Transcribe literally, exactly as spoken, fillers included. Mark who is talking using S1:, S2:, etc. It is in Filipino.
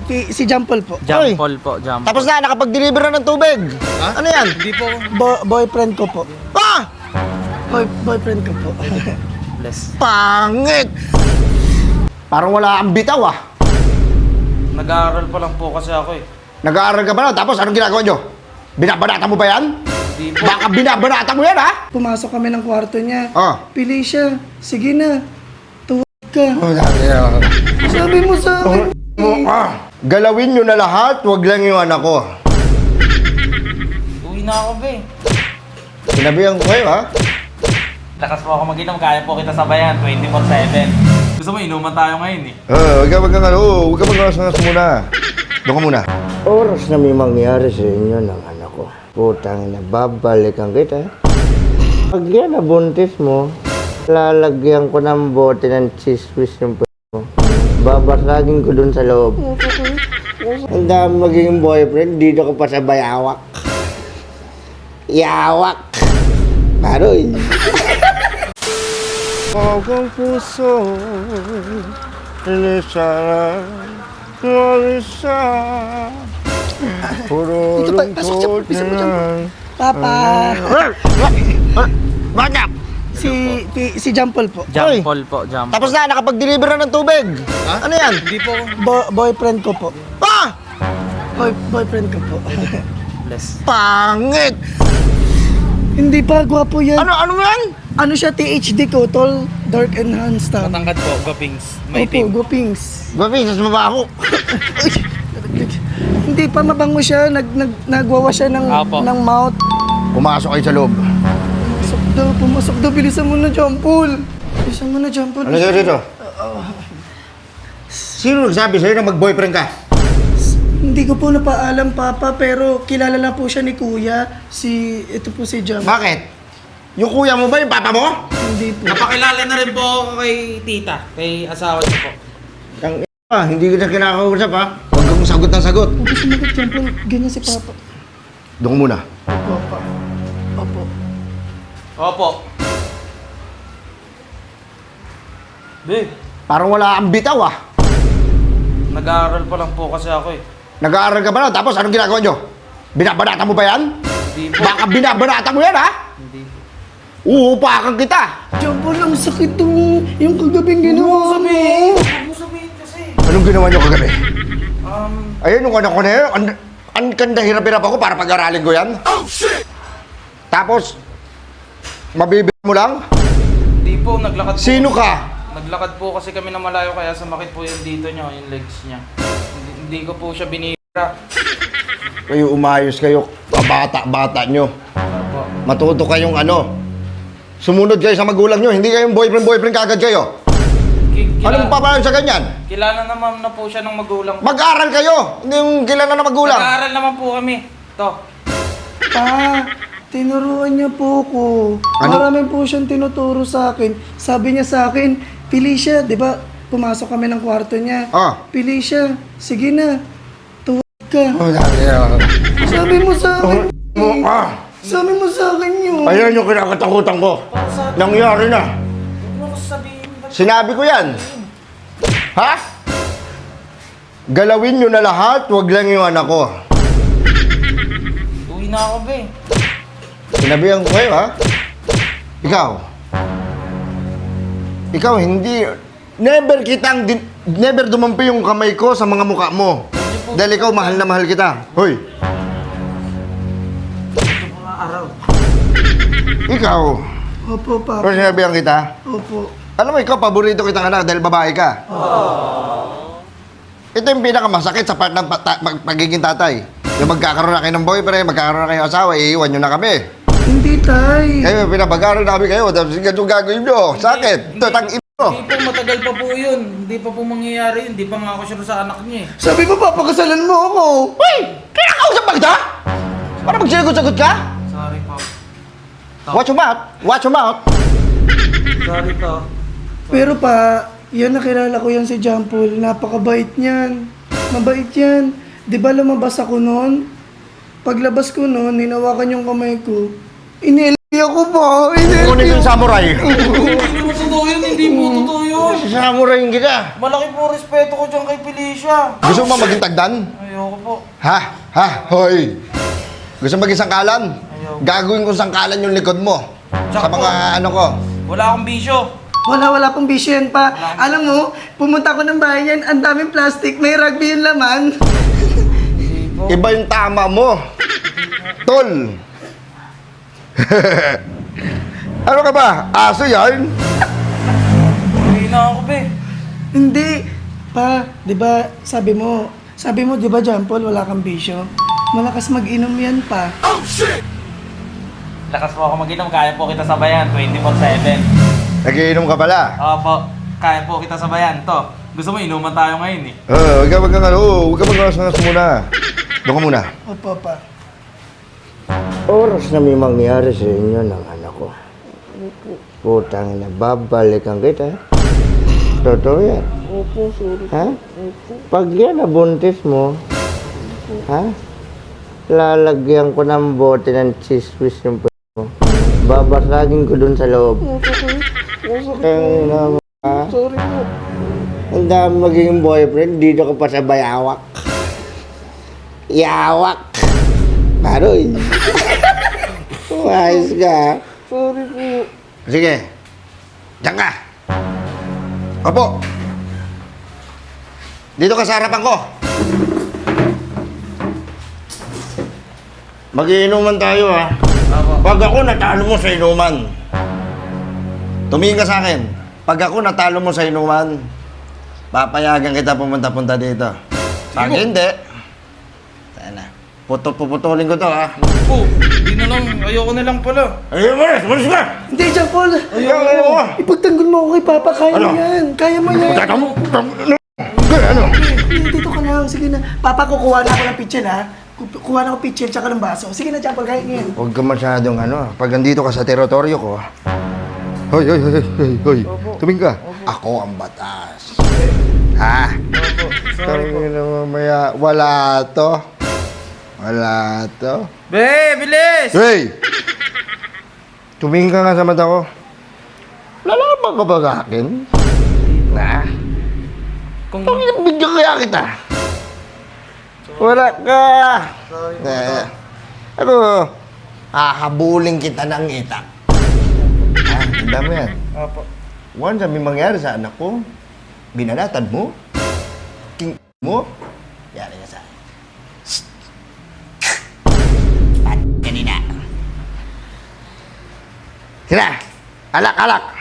S1: si, si Jampol po.
S2: Jampol po, Jampol.
S3: Tapos na, nakapag-deliver na ng tubig.
S2: Ha?
S3: Ano yan?
S2: Hindi po.
S1: Bo- boyfriend ko po.
S3: Ah!
S1: Boy, boyfriend ko po.
S2: Bless.
S3: Pangit! Parang wala kang bitaw ah.
S2: Nag-aaral pa lang po kasi ako eh.
S3: Nag-aaral ka ba na? Tapos anong ginagawa nyo? Binabanata mo ba yan?
S2: Hindi po.
S3: Baka binabanata mo yan ha?
S1: Pumasok kami ng kwarto niya.
S3: Oh.
S1: Pili siya. Sige na. Tuwag ka.
S3: Oh, sabi ah.
S1: Sabi mo sa akin.
S3: Oh, ah. Galawin nyo na lahat, wag lang yung anak ko.
S2: Uwi na ako be.
S3: Sinabihan ko kayo ha?
S2: Lakas po ako mag-inom, kaya po kita sabayan twenty-four seven. Gusto mo, inuman tayo ngayon eh.
S3: Uh, huwag ka wag ka ano, huwag ka mag-alas muna. Doon ka muna. Oras na may mangyari sa inyo ng anak ko. Putang na, babalikan kita. Pag yan nabuntis mo, lalagyan ko ng bote ng chismis yung p*** mo. Babasagin ko dun sa loob. Ang dami magiging boyfriend, dito ko pa sa bayawak. Yawak! Paroy! Pagong puso, inisara, marisa, puro
S1: Ito pa, pasok siya,
S3: lungkot
S1: pasok mo dyan.
S3: yan.
S1: Papa.
S3: Bakit?
S1: Si, si, si Jampol po.
S2: Jampol po, Jampol.
S3: Tapos na, nakapag-deliver na ng tubig.
S2: Ha?
S3: Ano yan?
S2: Hindi po.
S1: Bo- boyfriend ko po.
S3: Ah!
S1: Boy, boyfriend ko po.
S2: Bless.
S3: Pangit!
S1: Hindi pa, gwapo yan.
S3: Ano, ano yan?
S1: Ano siya, T H D ko, tall, dark enhanced. tama.
S2: Matangkad po, gapings. May
S1: Opo,
S2: team.
S1: gupings.
S3: Babi, sas mabaho.
S1: Hindi pa mabango siya, nag, nag, nagwawa siya ng,
S2: Apo.
S1: ng mouth.
S3: Pumasok kayo sa loob.
S1: Pumasok daw, pumasok daw, bilisan mo na, Jampol. Bilisan mo na, Jampol.
S3: Ano sa'yo dito? Sino nagsabi sa'yo na mag-boyfriend ka?
S1: Hindi ko po napaalam, Papa, pero kilala lang po siya ni Kuya. Si, ito po si Jampol.
S3: Bakit? Yung kuya mo ba yung papa mo?
S1: Hindi po.
S2: Napakilala na rin po ako kay tita, kay asawa niyo po.
S3: Ang ah, hindi kita kinakausap ha. Huwag kang sagot ng sagot.
S1: Huwag ka sumagot, Jampol. Ganyan si Papa.
S3: Doon muna.
S1: Opo, Papa. Opo.
S2: Opo. Be,
S3: Parang wala kang bitaw ah.
S2: nag-aaral pa lang po kasi ako eh.
S3: Nag-aaral ka ba na? Tapos anong ginagawa nyo? Binabanata mo ba yan?
S2: Hindi po.
S3: Baka binabanata mo yan ha?
S2: Hindi po.
S3: Uupakan kita.
S1: Jampol, ang sakit mo. Yung kagabing ginawa mo.
S2: Huwag mo sabihin kasi.
S3: Anong ginawa nyo kagabi?
S2: Um,
S3: Ayun yung anak ko na yun. Ang, ang kanda hirap-hirap ako para pag-aralin ko yan. Oh shit! Tapos, mabibig mo lang?
S2: hindi po, naglakad po.
S3: Sino ka?
S2: Naglakad po kasi kami na malayo kaya sumakit po yung dito niya, yung legs niya. Hindi, hindi ko po siya binira.
S3: Kayo umayos kayo, kabata-bata nyo.
S2: Opo.
S3: Matuto kayong ano. Sumunod kayo sa magulang nyo, hindi kayong boyfriend-boyfriend kagad kayo.
S2: Ki- kila-
S3: Anong papalan sa ganyan?
S2: Kilala naman na po siya ng magulang.
S3: Mag-aral kayo, hindi yung kilala na magulang.
S2: Nag-aaral naman po kami. To.
S1: Pa, tinuruan niya po ko.
S3: Ano?
S1: Marami po siyang tinuturo sa akin. Sabi niya sa akin, pili siya, di ba? Pumasok kami ng kwarto niya.
S3: Ah.
S1: Pili siya. Sige na. Tuwag ka.
S3: Oh, sabi ah.
S1: Sabi mo sa akin.
S3: Oh, ah.
S1: Sabi mo sa akin yun.
S3: Ayan yung kinakatakutan ko. Nangyari na.
S2: Huwag mo ko sabihin. ba't-
S3: Sinabi ko yan. Ha? Galawin nyo na lahat, wag lang yung anak ko.
S2: Uwi na ako, be.
S3: Sinabihan ko kayo, ha? Ikaw. Ikaw, hindi... Never kitang... Din, never dumampi yung kamay ko sa mga mukha mo. Dahil ikaw, mahal na mahal kita. Hoy,
S2: Ito mga araw.
S3: ikaw.
S1: Opo, Papa.
S3: Pero sinabihan kita.
S1: Opo.
S3: Alam mo, ikaw, paborito kitang anak dahil babae ka. Ito yung pinakamasakit sa part ng pata- mag- pagiging tatay. Yung magkakaroon na kayo ng boyfriend, magkakaroon na kayo ng asawa, iiwan nyo na kami.
S1: Hindi, Tay.
S3: Kayo, pinapag-aaral namin kayo, tapos ganito gagawin nyo. Sakit. Ito, tang ino.
S2: Hindi po, matagal pa po yun. Hindi pa po mangyayari yun. Hindi pa nga ako sure sa anak niya eh.
S1: Sabi mo, papakasalan mo ako.
S3: Uy! Kinakausap ba kita? Para magsinagot-sagot ka?
S2: Sorry po.
S3: Watch your mouth. Watch your mouth.
S2: Sorry to.
S1: Pero pa, yan nakilala ko yan si Jampol. Napakabait niyan. Mabait yan. Di ba lumabas ako noon? Paglabas ko noon, hinawakan yung kamay ko. Inelpi ako po.
S3: Kunin
S1: Inelpi
S3: yung
S1: ako.
S3: samurai.
S2: Hindi mo totoo yun. Hindi mo totoo yun. Tol.
S3: Sasamurayin kita.
S2: Malaki po respeto ko dyan kay Felicia.
S3: Gusto mo ba maging tagdan?
S2: Ayoko po.
S3: Ha? Ha? Hoy! Gusto mo maging sangkalan?
S2: Ayaw.
S3: Gagawin kong sangkalan yung likod mo. Sa
S2: Tsaka
S3: mga ano ko.
S2: Wala akong bisyo.
S1: Wala, wala pong bisyo yan pa. Alam mo, pumunta ko ng bahay niyan, ang daming plastic, may rugby yung laman.
S2: Hindi po.
S3: Iba yung tama mo. Tol! Ano ka ba? Aso yan?
S2: Hindi na ako, be.
S1: Hindi. Pa, di ba, sabi mo, sabi mo, di ba, John Paul, wala kang bisyo? Malakas mag-inom yan pa.
S2: Lakas mo ako mag-inom. Kaya po kita sabayan. twenty-four seven.
S3: Nagiinom ka pala.
S2: Opo. Kaya po kita sabayan. To. Gusto mo, inuman tayo ngayon eh.
S3: Oo, huwag ka, huwag ka, ano, huwag ka mag-asangas muna. Doon ka muna.
S1: Opo, pa.
S3: Oras na may mangyari sa inyo ng anak ko. Putang na, babalikan kita. Totoo yan.
S1: Opo, sorry.
S3: Ha? Pag yan nabuntis mo, ha? Lalagyan ko ng bote ng chismis yung p*** mo. Babasagin ko dun sa loob. Kaya naman, ha?
S1: Sorry po.
S3: Ang dami magiging boyfriend, dito ka pa sa bayawak. Yawak! Paroy! Umayos ka.
S1: Sorry po.
S3: Sige. Diyan ka. Opo. Dito ka sa harapan ko. Mag-iinuman tayo, ha?
S2: Opo.
S3: Pag ako natalo mo sa inuman, tumingin ka sa akin. Pag ako natalo mo sa inuman, papayagan kita pumunta-punta dito. Pag
S2: Sige po.
S3: hindi, sana. Puto-puputulin ko to, ha?
S2: Po. Hindi na lang. Ayoko na lang pala.
S3: Ayun, malis! Malis ka!
S1: Hindi, John Paul.
S3: Ayun, ayun, ayun.
S1: Ipagtanggol mo ako kay Papa. Kaya
S3: Ano?
S1: mo yan. Kaya mo yan.
S3: Tata mo! Ano? Ano?
S1: Hindi, dito ka lang. Sige na. Papa, kukuha na ako ng pitchel, ha? Ku- Kuha na ako pitchel tsaka ng baso. Sige na, John Paul. Kaya niyan.
S3: Huwag ka masyadong ano, pag nandito ka sa teritoryo ko. Hoy, hoy, hoy, hoy, hoy. Tuming ka. Ako ang batas. Ha?
S2: Sorry po.
S3: Tangina mo, mamaya. Wala to. Wala to.
S2: Be, bilis!
S3: Hey! Tumingin ka nga sa mata ko. Lalaban ka ba sa akin? Na?
S2: Kung...
S3: Tangina, bigyan kaya kita. Wala ka.
S2: Sorry po.
S3: Eh, ano? Hahabulin kita ng itak. Ah, ang dami yan.
S2: Opo.
S3: Once na may mangyari sa anak ko, binalatan mo, king mo, yari ka sa akin. Pat, kanina. Sina, alak, alak.